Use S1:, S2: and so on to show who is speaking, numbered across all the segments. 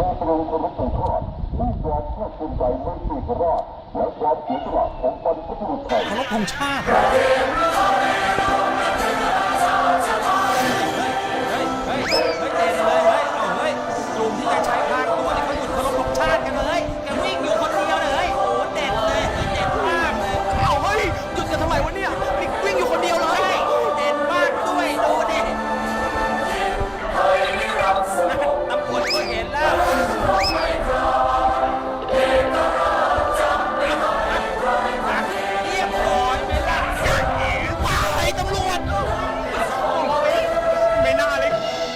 S1: เราตรงเคารพธงชาติด้วยความภาคภูมิใจในเอกราชและความเสียสละของบรรพบุรุษไทย
S2: เคารพธงชาติ
S3: เฮ้ยเด่นเลยเฮ้ยกลุ่มที่จะใช้พรางตัวนี่เขาหยุดเคารพธงชาติกันเลยแกวิ่งอยู่คนเดียวเลยโอ้เด่นเลยเด่นมากเลยเอาเฮ้ยหยุดกันทำไมวะเนี่ยนี่วิ่งอยู่คนเดียวเลยเด่นมากด้วยดูดิตำรวจก็เห็นแล้วเรียบร้อยไหมล่ะไอ้ตำรวจไม่น่าเลย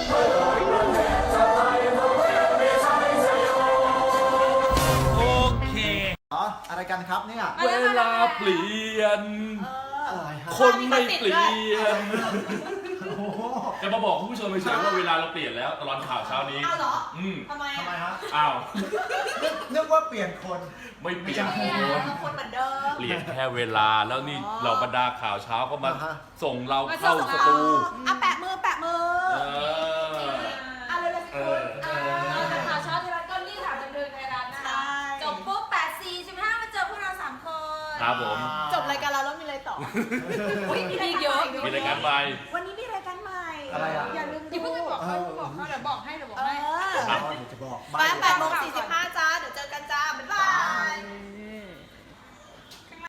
S3: โอเค
S2: อะไรกันครับเนี่ย
S4: เวลาเปลี่ยน
S2: อะไรฮะ
S4: คนไม่เปลี่ยน
S2: โอ้โห
S4: จะมาบอกคุณผู้ชมเฉยๆว่าเวลาเราเปลี่ยนแล้วตลอดข่าวเช้านี้
S5: เอาเหรอ ทำไม
S2: ทำไมฮะ
S4: อ้าว
S2: นึกว่าเปลี่ยนคน
S4: ไม่เปลี่ยน
S5: ไม่เอาคนเหมือนเดิม
S4: เปลี่ยนแค่เวลาแล้วนี่เราบรรดาข่าวเช้าก็มา
S2: อ่าฮะ
S4: ส่งเราเข้าสตู
S5: อ่ะแปะมือ
S4: เออ
S5: อ่ะเร็วๆสิคุณแต่ข่าวเช้าไทยรัฐก็รีบถามบันเทิงไทยรัฐนะคะจบปุ๊บ8:45มาเจอพวกเรา3 คน
S4: ครับผม
S5: จบรายการเราแล้วมีอะไรต่ออุ๊ยมีรายการเยอะ
S4: มีรายการใหม่
S5: วันนี้มีรายการใหม่
S2: อะไรอ่ะ
S5: อย่าลืม
S6: อย่าเพิ่งไปบอกเขาเดี๋ยวบอกให้
S5: เออ
S2: เดี๋ยวจะบอก
S5: 8:45จ